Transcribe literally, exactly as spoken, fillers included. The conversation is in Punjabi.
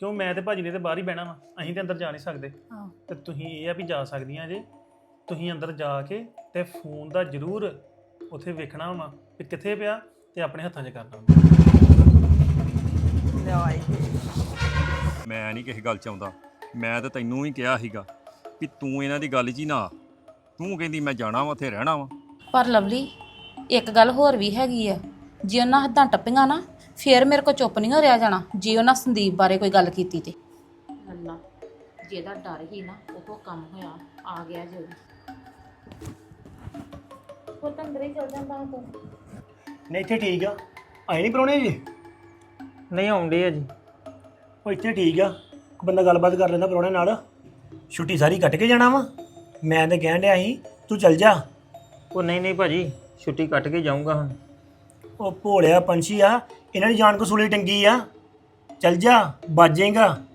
ਕਿਉਂ ਮੈਂ ਤੇ ਭਾਜੀ ਨੇ ਤੇ ਬਾਹਰ ਹੀ ਬਹਿਣਾ ਵਾ, ਅਸੀਂ ਤੇ ਅੰਦਰ ਜਾ ਨਹੀਂ ਸਕਦੇ। ਹਾਂ ਤੇ ਤੁਸੀਂ ਇਹ ਆ ਵੀ ਜਾ ਸਕਦੀਆਂ ਜੇ, ਤੁਸੀਂ ਅੰਦਰ ਜਾ ਕੇ ਤੇ ਫੋਨ ਦਾ ਜ਼ਰੂਰ ਉੱਥੇ ਵੇਖਣਾ ਵਾ ਵੀ ਕਿੱਥੇ ਪਿਆ ਤੇ ਆਪਣੇ ਹੱਥਾਂ 'ਚ ਕਰਨਾ। ਲਿਆਈ ਮੈਂ ਨਹੀਂ ਕਿਸੇ ਗੱਲ ਚ ਆਉਂਦਾ। ਮੈਂ ਤਾਂ ਤੈਨੂੰ ਹੀ ਕਿਹਾ ਸੀਗਾ ਕਿ ਤੂੰ ਇਹਨਾਂ ਦੀ ਗੱਲ 'ਚ ਹੀ ਨਾ ਆ। ਤੂੰ ਕਹਿੰਦੀ ਮੈਂ ਜਾਣਾ ਵਾ ਉੱਥੇ ਰਹਿਣਾ ਵਾ। ਪਰ ਲਵਲੀ ਇੱਕ ਗੱਲ ਹੋਰ ਵੀ ਹੈਗੀ ਆ, ਜੇ ਉਹਨਾਂ ਹੱਦਾਂ ਟੱਪੀਆਂ ਨਾ ਫੇਰ ਮੇਰੇ ਕੋ ਚੁੱਪ ਨਹੀਂ ਹੋ ਰਿਹਾ ਜਾਣਾ। ਜੇ ਉਹਨਾਂ ਸੰਦੀਪ ਬਾਰੇ ਕੋਈ ਗੱਲ ਕੀਤੀ ਤੇ ਲੱਲਾ ਜਿਹਦਾ ਡਰ ਹੀ ਨਾ ਉਹ ਕੰਮ ਹੋਇਆ ਆ ਗਿਆ ਜੋ ਉਹ ਤਾਂ ਅੰਦਰ ਹੀ ਚਲ ਜਾਂਦਾ ਤੂੰ। ਨਹੀਂ ਇੱਥੇ ਠੀਕ ਆ, ਆਏ ਨਹੀਂ ਪ੍ਰਾਹੁਣੇ ਜੀ? ਨਹੀਂ ਆਉਂਦੇ ਆ ਜੀ। ਉਹ ਇੱਥੇ ਠੀਕ ਆ, ਕੋਈ ਬੰਦਾ ਗੱਲਬਾਤ ਕਰ ਲੈਂਦਾ ਪ੍ਰਾਹੁਣੇ ਨਾਲ। ਛੁੱਟੀ ਸਾਰੀ ਕੱਟ ਕੇ ਜਾਣਾ ਵਾ? ਮੈਂ ਤਾਂ ਕਹਿਣ ਡਿਆ ਸੀ ਤੂੰ ਚੱਲ ਜਾ। ਉਹ ਨਹੀਂ ਨਹੀਂ ਭਾਜੀ, ਛੁੱਟੀ ਕੱਟ ਕੇ ਜਾਊਂਗਾ ਹੁਣ। ਉਹ ਭੋਲਿਆ ਪੰਛੀ ਆ, ਇਹਨਾਂ ਦੀ ਜਾਨ ਕਸੂਲੀ ਟੰਗੀ ਆ। ਚੱਲ ਜਾ, ਬਚ ਜਾਏਗਾ।